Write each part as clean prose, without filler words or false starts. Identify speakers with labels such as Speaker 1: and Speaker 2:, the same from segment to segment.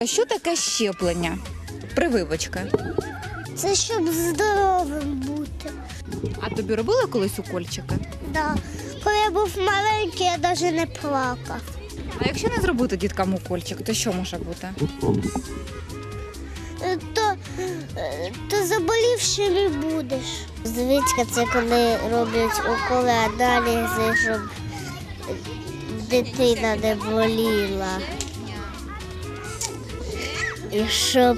Speaker 1: А що таке щеплення? Прививочка.
Speaker 2: Це щоб здоровим бути.
Speaker 1: А тобі робили колись укольчики?
Speaker 2: Да. Коли я був маленький, я навіть не плакав.
Speaker 1: А якщо не зробити діткам укольчик, то що може бути?
Speaker 2: То заболівшим і будеш. Звичка це коли роблять уколи аналізи, щоб дитина не боліла. І щоб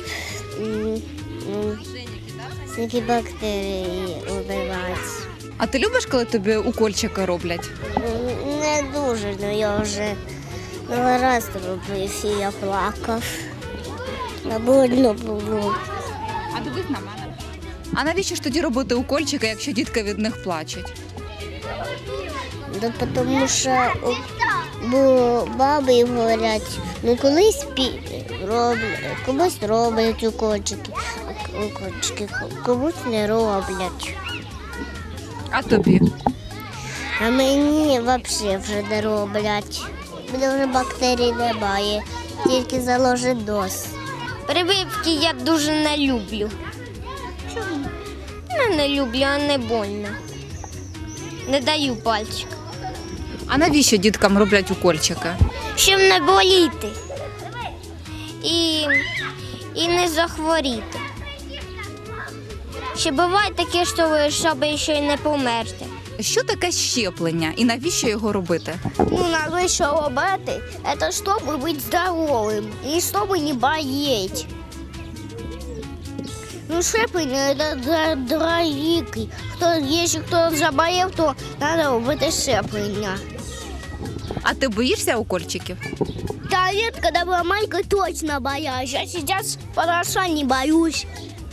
Speaker 2: всякі бактерії убивати.
Speaker 1: А ти любиш, коли тобі укольчики роблять?
Speaker 2: Не дуже, але я вже раз робив і я плакав. Больно було.
Speaker 1: А дивись на мене. А навіщо ж тоді робити укольчики, якщо дітки від них плачуть?
Speaker 2: Да, тому що бо баби говорять, ну комусь роблять укольчики, комусь не роблять.
Speaker 1: А тобі?
Speaker 2: А мені взагалі вже не роблять. Мене вже бактерій немає, тільки заложить доз.
Speaker 3: Прививки я дуже не люблю. Чому? Не люблю, а не больно. Не даю пальчик.
Speaker 1: А навіщо діткам роблять укольчики?
Speaker 3: Щоб не боліти і не захворіти. Ще буває таке, щоб ще й не померти.
Speaker 1: Що таке щеплення і навіщо його робити?
Speaker 3: Ну, навіщо робити? Це щоб бути здоровим і щоб не боліти. Ну, щеплення – це дорогі. Якщо хтось заболів, то треба робити щеплення.
Speaker 1: А ти боїшся укольчиків?
Speaker 3: Да нет, когда была маленькая, точно боялась. А сейчас хорошо не боюсь.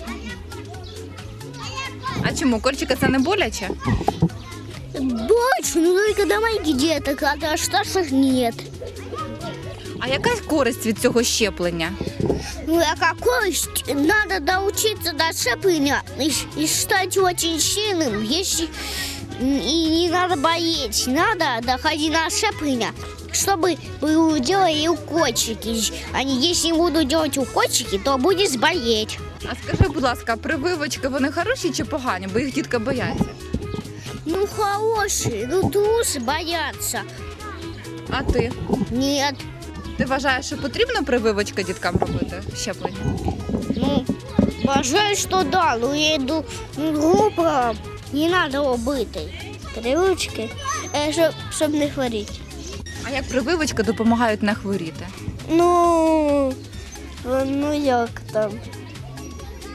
Speaker 1: А чому? Укольчики це не боляче?
Speaker 3: Точно, ну только до маленьких деток, а до старших нет.
Speaker 1: А яка користь від цього щеплення?
Speaker 3: Ну, а какой надо доучиться до щепления и стать очень сильным, если и не надо болеть, надо доходить на щепление, чтобы делали укольчики. Если не буду делать укольчики, то будешь болеть.
Speaker 1: А скажи, будь ласка, прививочки, вони хороші чи погані, бо їх дітки бояться?
Speaker 3: Ну, хорошие, ну, трусы боятся.
Speaker 1: А ти?
Speaker 3: Нет.
Speaker 1: Ти вважаєш, що потрібно прививочки діткам робити, щеплення?
Speaker 3: Ну, вважаю, що да, ну я йду групу, не треба робити. Прививочки, щоб не хворіти.
Speaker 1: А як прививочки допомагають не хворіти?
Speaker 3: Ну як там?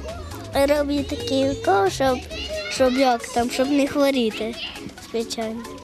Speaker 3: Роблю такий укол, щоб не хворіти, звичайно.